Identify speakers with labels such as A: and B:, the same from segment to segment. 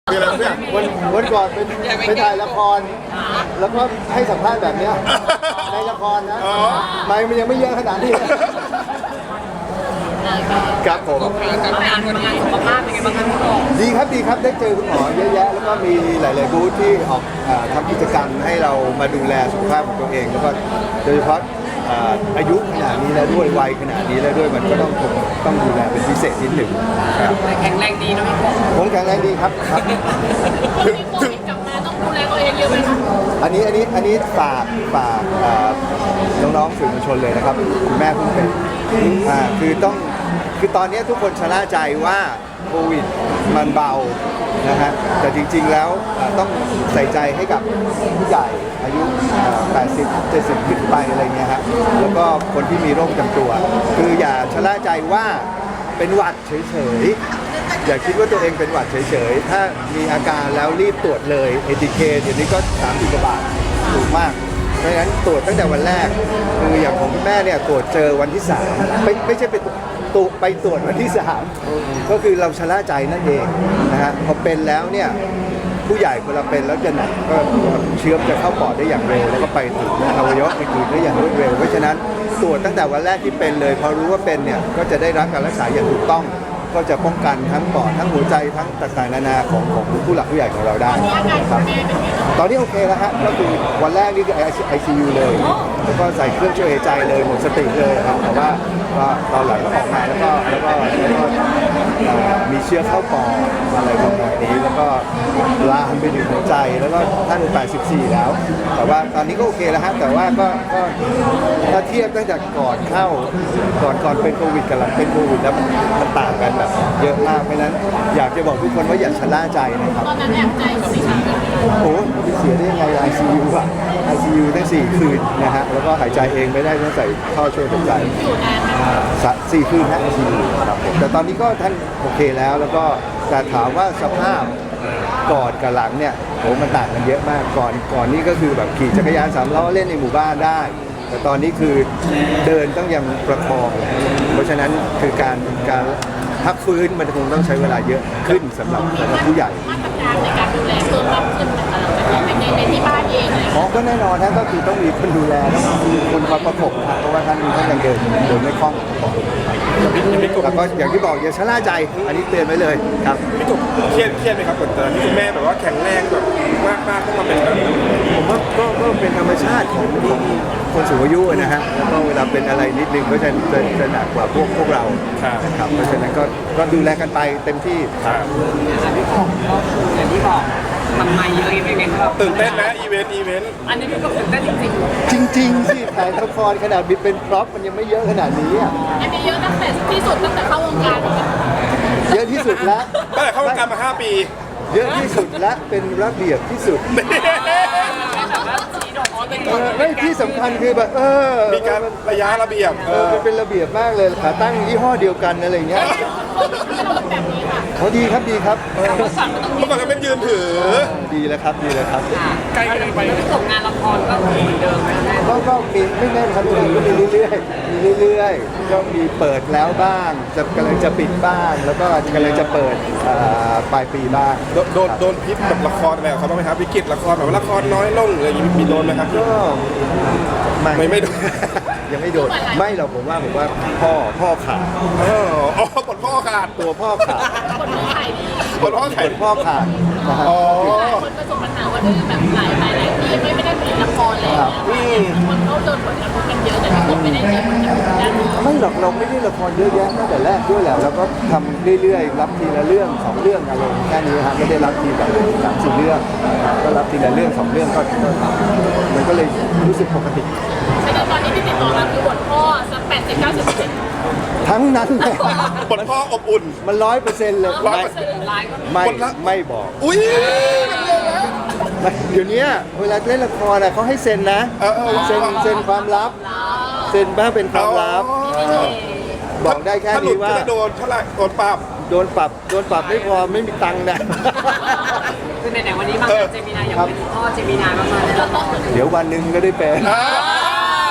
A: คืออะไรเนี่ย
B: วันก่อนเป็นถ่ายละคร แล้วก็ให้สัมภาษณ์แบบเนี้ยในละครนะไม่มันยังไม่เยอะขนาดนี้ครับผม
C: งานสุขภาพเป็นไงบ้างคะพี่โต
B: ดีครับได้เจอคุณหมอเยอะแยะแล้วก็มีหลายๆบูธที่ออกทำกิจกรรมให้เรามาดูแลสุขภาพของตัวเองแล้วก็โดยเฉพาะอายุขนาดนี้แล้วด้วยวัยขนาดนี้แล้วด้วยมันก็ต้องดูแลเป็นพิเศษนิดหนึ่งครับ
C: แข็งแรงดีนะพี่โต
B: ผมแข็งแรงดีครับ
C: ถึงกลับมาต้องดูแลตัวเองเยอะไหมคะ
B: อันนี้ฝากน้องๆสื่อมวลชนเลยนะครับคุณแม่เพิ่งเป็นคือตอนนี้ทุกคนชะล่าใจว่าโควิดมันเบานะฮะแต่จริงๆแล้วต้องใส่ใจให้กับผู้ใหญ่อายุ80 70ขึ้นไปอะไรเงี้ยฮะแล้วก็คนที่มีโรคประจำตัวคืออย่าชะล่าใจว่าเป็นหวัดเฉยๆอย่าคิดว่าตัวเองเป็นหวัดเฉยๆถ้ามีอาการแล้วรีบตรวจเลย ATK เดี๋ยวนี้ก็30 กว่าบาทถูกมากเพราะฉะนั้นตรวจตั้งแต่วันแรกคืออย่างของคุณแม่เนี่ยตรวจเจอวันที่3ไม่ใช่ไปตรวจวันที่3ก็คือเราชะล่าใจนั่นเองนะฮะพอเป็นแล้วเนี่ยผู้ใหญ่เวลาเป็นแล้วจะหนักก็เชื้อจะเข้าปอดได้อย่างเร็วแล้วก็ไปถึงอวัยวะอื่นๆได้อย่างรวดเร็วเพราะฉะนั้นตรวจตั้งแต่วันแรกที่เป็นเลยพอรู้ว่าเป็นเนี่ยก็จะได้รับการรักษาอย่างถูกต้องก็จะป้องกันทั้งปอดทั้งหัวใจทั้งต่างๆนานาของผู้หลักผู้ใหญ่ของเราได้ครับตอนนี้โอเคแล้วฮะก็คือวันแรกนี่คือ ICU เลยแล้วก็ใส่เครื่องช่วยหายใจเลยหมดสติเลยครับแต่ว่าตอนหลังก็ออกมาแล้วก็มีเชื้อเข้าปอดอะไรประมาณนี้แล้วก็ลามไปถึงหัวใจแล้วก็ท่าน84แล้วแต่ว่าตอนนี้ก็โอเคแล้วฮะแต่ว่าก็ถ้าเทียบตั้งแต่ก่อนเข้าก่อนเป็นโควิดกับหลังเป็นโควิดแล้วมันต่างกันแบบเยอะมากเพราะนั้นอยากจะบอกทุกคนว่าอย่าชะล่าใจนะครับ
C: ตอนนั้นแอบใจกับพี่ชาย
B: โอ้เสียได้ยังไง ICU อ่ะ ICU ตั้ง4 คืนนะฮะแล้วก็หายใจเองไม่ได้ต้องใส่ท่อช่วยหายใจ
C: อยู่นานไหม
B: 4 คืนนะ ICU ครับผมแต่ตอนนี้ก็ท่านโอเคแล้วก็แต่ถามว่าสภาพก่อนกับหลังเนี่ยโหมันต่างกันเยอะมากก่อนนี่ก็คือแบบขี่จักรยาน3 ล้อเล่นในหมู่บ้านได้ แต่ตอนนี้คือเดินต้องยังประคองเพราะฉะนั้นคือการพักฟื้นมันคงต้องใช้เวลาเยอะขึ้นสำหรับผู้ใหญ่
C: มาตรการในการดูแลเพิ่มมากขึ้นนะคะในที่บ้านเองอะไรอย่าง
B: อ๋
C: เงี้ย
B: อก็แน่นอนนะก็คือต้องมีคนดูแลต้องมีคนคอยประกบครับเพราะว่าท่านยังเดินไม่คล่องแล้วก็อย่างที่บอกอย่าชะล่าใจอันนี้เตือนไว้เลยครับ
A: พี่กบเครียดไหมครับกดดันที่คุณแม่แบบว่าแข็งแรงแบบมากต้องมาเป็นแบบนี้
B: ผมว่าก็เป็นธรรมชาติของคนสูงอายุนะฮะแล้วก็เวลาเป็นอะไรนิดนึงก็จะหนักกว่าพวกเรานะครับเพราะฉะนั้นก็ดูแลกันไปเต็มที่ครับ
C: พี่บอกก็คืออย่างที่บอกทำไมเยอะยังไงครับ
A: ตื่นเต้นนะอีเวนต์
C: อันนี้พี่ก็ตื่นเต้นจริง
B: จริงๆสิถ่ายละครขนาดบิดเป็นพร็อพมันยังไม่เยอะขนาดนี้อ่ะ
C: ๆอันนี้เยอะตั้งแต่ที่สุดตั้งแต่เข้าวงการเลย
B: เยอะที่สุดแล้ว
A: ตั้งแต่เข้าวงการมา5 ปี
B: เยอะที่สุดและเป็นระเบียบที่สุด ไม่ที่สำคัญคือแบบ
A: มีการระยะระเบียบ
B: มันเป็นระเบียบมากเลยขาตั้งยี่ห้อเดียวกันอะไรอย่างเงี้ย
C: แบบนี้ค่ะ
B: เขาดีครับดีครับ
A: เมื่อก่อนก็เป็นยืนถือ
B: ดีแล้วครับดีแล้วครับ
C: ใกล้กันไปแล้วจบงานละครก็เหมือนเดิมไหมแม่
B: ก็มีไม่แน่นครับตัวเองก็มีเรื่อยๆก็มีเปิดแล้วบ้างกำลังจะปิดบ้างแล้วก็กำลังจะเปิดปลายปีบ้าง
A: โดนพิษแบบละครอะไรเขาบ้างไหมครับวิกฤตละครแบบว่าละครน้อยลงอะไรอย่างนี้มีโดนไหมครับ
B: ก็
A: ไม่โดน
B: ยังไม่โดนไม่หรอกผมว่าพ่อขาด
A: อ๋อกดพ่อขาด
B: ตัวพ่อขาด
C: คนที่ขายดี
A: กดพ่อ
B: ค
A: ขาด
B: นพ่อขาดนะฮะ
A: อ๋อ
C: คนประสบปัญหาว่าด้วยแบบหลายที่ไม่ได้ผลิตละครเลยคนเขาโดนผลกระทบกันเยอะแต่ที่ไม่ได้มีผลกระทบด้านนี้
B: ไม่หรอกเราไม่ได้ละครเยอะแยะตั้งแต่แรกด้วยแหละเราก็ทำเรื่อยๆรับทีละเรื่อง2 เรื่องอะไรแค่นี้ฮะไม่ได้รับทีแบบ3-4 เรื่องก็รับทีละเรื่อง2 เรื่องก็มันก็เลยรู้สึกปกติ
C: แต่ตอนนี้ที่ติดต่อมาคือบทพ่อสัก80-90%
B: ทั้งนั้นเลย
A: กดพ่ออบอุ่น
B: มัน 100%เลย
C: ไลน์ก็มี
B: ไม่บอก
A: อุ้ย
B: เดี๋ยวนี้เวลาเล่นละครเขาให้เซ็นนะเซ็นความลับเซ็นบ้างเป็นความลับบอกได้แค่
A: ถ้าหลุ
B: นี้
A: ด
B: ว่า
A: จะโดนเท่าไหร่โดนปรับ
B: โดนปรับไม่พอไม่มีตังค์นะ
C: คือไหนๆวันนี้มาเจมินายอยากเป็นพ่อเจมินายมากๆเลย
B: เดี๋ยววันหนึ่งก็ได้เป็น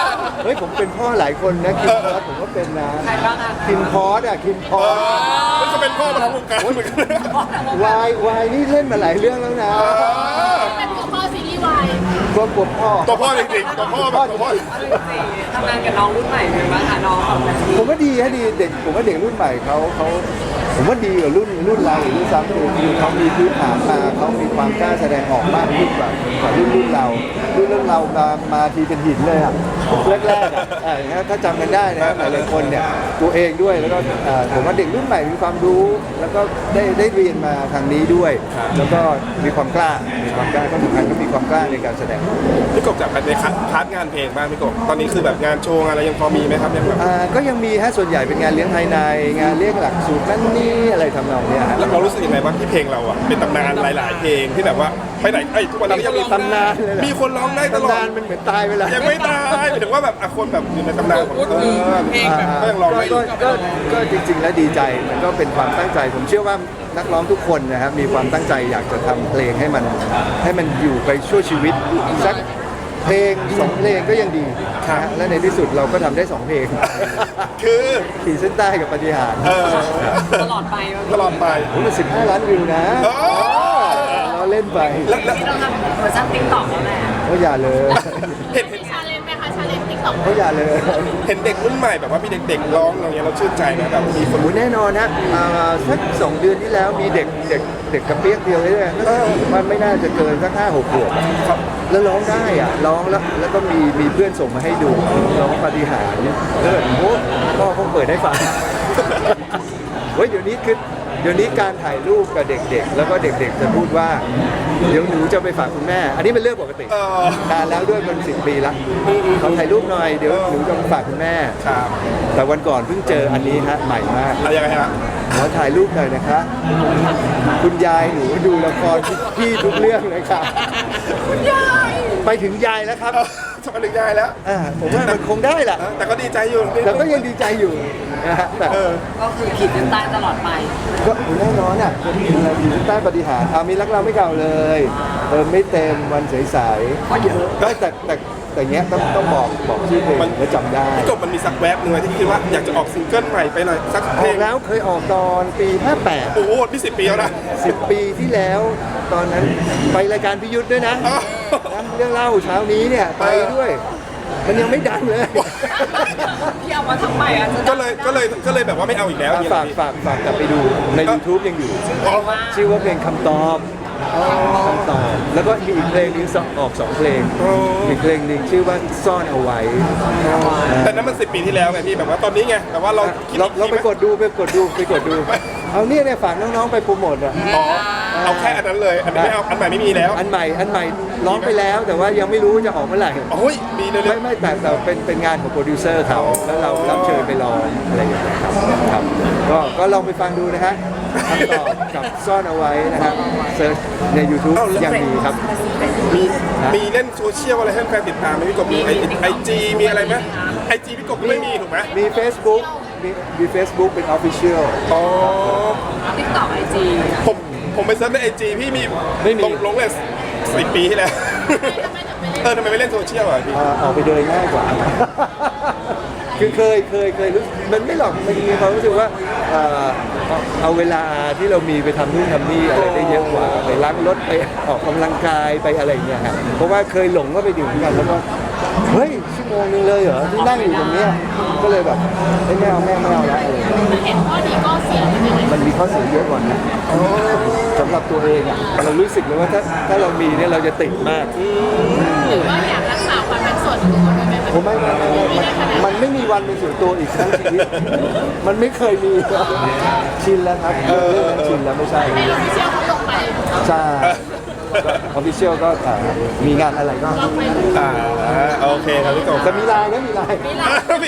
B: เฮ้ยผมเป็นพ่อหลายคนนะคิมพอสผมก็เป็นนะ
D: ใครบ้างอะ
B: คิมพอสอะคิมพอส
A: นี่ก็เป็นพ่อมาทั้งวงการเหมือนกัน
B: วายนี่เล่นมาหลายเรื่องแล้วนะ
C: เป็นตัวพ่อซีรีส์วาย
B: ก็ปวดพ่อ
A: ตัวพ่อจริงๆตัวพ่อแบบตัวพ่อ
D: ทำงานกับน้องรุ่นใหม่เป็นบ้างคะน้องของแบบ
B: ผมว่าดีฮะดีเด็กผมว่าเด็กรุ่นใหม่เขาผมว่าดีกว่ารุ่นเราหรือด้วยซ้ำคือเขามีพื้นฐานมาเขามีความกล้าแสดงออกมากขึ้นกว่ารุ่นเรามาทีเป็นหินเลยอ่ะแรกๆอ่ะถ้าจำกันได้นะหลายๆคนเนี่ยตัวเองด้วยแล้วก็ผมว่าเด็กรุ่นใหม่มีความรู้ แล้วก็ได้เรียนมาทางนี้ด้วย แล้วก็มีความกล้าก็สำคัญก็มีความกล้าในการแสดง
A: พี่กบจากในพาร์ทงานเพลงบ้างพี่กบตอนนี้คือแบบงานโชว์อะไรยังพอมีไหมครับยังแบบ
B: ก็ยังมีฮะส่วนใหญ่เป็นงานเลี้ยงภายในงานเลี้ยงหลักสูตรนั่นนี่อะไรทำนองเนี้ยฮะ
A: แล้วเรารู้สึกยังไงบ้างที่เพลงเราอ่ะเป็นตำนานหลาย ๆ เพลงที่แบบว่าไปไหนทุกวันนี้ก็ยังมี
B: ตำนานเลยเหรอ
A: มีคนร้องได้ตลอ
B: ตำนา
A: ด
B: นมันเหมือนตายไปแล้ว
A: ยังไม่ตายหมายถึงว่าแบบคนแบบอยู่ในตำนานของเพลงแบบก็ยังร้องได้อยู่
B: ก็จริงๆแล้วดีใจมันก็เป็นความตั้งใจ ผมเชื่อว่านักร้องทุกคนนะครับมีความตั้งใจอยากจะทำเพลงให้มันอยู่ไปชั่วชีวิตสักเพลง2เพลงก็ยังดีนะฮะและในที่สุดเราก็ทำได้2เพลง
A: คือ
B: ขีดเส้นใต้กับปฏิหารย์
D: ตลอดไป
A: ตลอดไป
B: โอ้มัน15 ล้านวิวนะ
A: โอ้
B: เราเล่นไป
A: แล้ว
D: เราทำเวอร์ชันติ๊กต็อกแล้วแหละ
B: ก็อย่าเลย
A: เห็น
C: มีชาเลนจ์ไหมคะชาเลนจ์ติ๊กต็อก
B: ก็อย่าเลย
A: เห็นเด็กรุ่นใหม่แบบว่ามีเด็กๆร้องอย่างเงี้ยเราชื่นใจนะแบบมีคน
B: โอ้แน่นอนนะสัก2 เดือนที่แล้วมีเด็กกระเปียกเดียวเลยเนี่ยมันไม่น่าจะเกินสัก5-6 ขวบ
A: ครับ
B: แล้วร้องได้อ่ะร้องแล้วก็มีเพื่อนส่งมาให้ดูร้องปาฏิหาริย์แล้วแบบโอ้พ่อคงเปิดให้ฟัง เฮ้ยเดี๋ยวนี้การถ่ายรูปกับเด็กๆ แล้วก็เด็กๆจะพูดว่าเดี๋ยวหนูจะไปฝากคุณแม่ อันนี้เป็นเรื่องปกตินานแล้วด้วยมัน10 ปีละขอถ่ายรูปหน่อยเดี๋ยวหนูจะไปฝากคุณแม่
A: ครับ
B: แต่วันก่อนเพิ่งเจออันนี้ฮะใหม่มาก
A: อะไรยังไงฮะ
B: ขอถ่ายรูปหน่อยนะคะ คุณยายหนูดูละครพี่ทุกเรื่องเลยค่ะคุณยายไปถึงยายแล้วครับ
A: จะมาถึงยายแล้ว
B: ผมว่ามันคงได้แหละ
A: แต่ก็ดีใจอยู่
B: แต่ก็ยังดีใจอยู่นะฮะแต่
D: ก็คือขีดเส้นใต้ตลอดไป
B: ก็แน่นอนอ่ะคนอยู่ในใต้ปฏิหารย์มีรักเราไม่เก่าเลยไม่เต็มวันใสๆก็เยอะก็แต่เงี้ยต้องบอกชื่อเพลงแล้วจำได้
A: พี่กบมันมีสักแวบหนึ่งไหมที่คิดว่าอยากจะออกซิงเกิลใหม่ไปหน่อยสัก
B: อ
A: เพล
B: อง กแล้วเคยออกตอนปี
A: โอ้โหนี่10 ปีแล้วนะ
B: 58 10 ปีที่แล้วตอนนั้นไปรายการพิยุทธ์ด้วยนะ
A: อ้าว
B: เรื่องเล่าเช้านี้เนี่ยไปด้วย มันยังไม่ดังเลย
D: พี่เอามาทำใหม่อ่ะจะ
A: ก็เลยแบบว่าไม่เอาอีกแล้วอย่างเงี้ย
B: ฝากกลับไปดูใน YouTube ยังอยู่
A: อ๋อ
B: ชื่อว่าเพลงคำตอบคำตอบ แล้วก็มีอีกเพลงนึงออก2 เพลง อีกเพลงหนึ่งชื่อว่าซ่อนเอาไว้
A: แต่นั้นมัน10 ปีที่แล้วไงพี่แบบว่าตอนนี้ไงแต่ว่าเราคิด
B: เราไปกดดูเอาเนี่ยฝากน้องๆไปโปรโมทอ่ะ
A: อ๋อเอาแค่อันนั้นเลยอันนี้ไม่เอาอันใหม่ไม่มีแล้ว
B: อันใหม่ร้องไปแล้วแต่ว่ายังไม่รู้จะออกเมื่อไหร่
A: โอ้ยมีเรื่อย
B: ไม่แต่เป็นงานของโปรดิวเซอร์เขาแล้วเรารับเชิญไปร้องอะไรอย่างเงี้ยครับก็ลองไปฟังดูนะฮะคำตอบกับซ่อนเอาไว้นะครับเซิร์ชใน YouTube ยังมีครับ
A: มีเล่นโซเชียลอะไรให้แฟนติดตามไหมพี่กบมีไอจีมีอะไรไหมไอจีพี่กบไม่มีถูกไหม
B: มี Facebook มี Facebook เป็น Official
A: อ๋อ
D: ติ๊กต็อกไอจี
A: ผมไปเซิร์ชในไอจีพี่มี
B: ไม่มี
A: ลงเลย10 ปีที่แล้วทำไมไม่เล่นโซเชียลอ่ะพี่
B: ออกไปเดินง่ายกว่า คือเคยรู้มันไม่หรอกมันมีความรู้สึกว่าเอาเวลาที่เรามีไปทำนู่นทำนี่อะไรได้เยอะกว่าไปล้างรถไปออกกำลังกายไปอะไรอย่างเงี้ยฮะเพราะว่าเคยหลงก็ไปดื่มกันแล้วก็เฮ้ยชั่วโมงนึงเลยเหรอที่นั่งอยู่ตรงเนี้ยก็เลยแบบไม่เอาแล้วอะไรอย่างเงี้ย
C: เห็นข้อดีก็เสียไปเลย
B: มันมีข้อเสียเยอะกว่านะสำหรับตัวเองอ่ะเรารู้สึกเลยว่าถ้าเรามีเนี่ยเราจะติดมาก
C: หรือว่าอยากรักษาความเป็นส่วนตัวด้วยไหม
B: ผมมันไม่มีวันเป็นส่วนตัวอีกทั้งชีวิต มันไม่เคยมีชินแล้วครับเรื่องนั้นชินแล้วไม่ใช่
C: ในโซเชียลเขาลงไป
B: ใช่ออฟฟิเชียลก็มีงานอะไรก็
C: ลองไปดู
A: โอเคครับพี่กบ
B: แต่มีไลน์นะมีไลน์
A: มี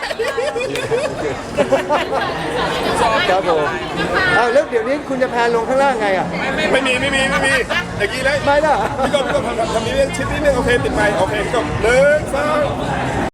B: ครับผมแล้วเดี๋ยวนี้คุณจะแพนลงข้างล่างไงอ่ะ
A: ไม่มีอย่างนี้เลย
B: ไม่ล่ะ
A: พี่กบทำนี้เรื่องชิดนิดนึงโอเคติดไมค์โอเคพี่กบ1 2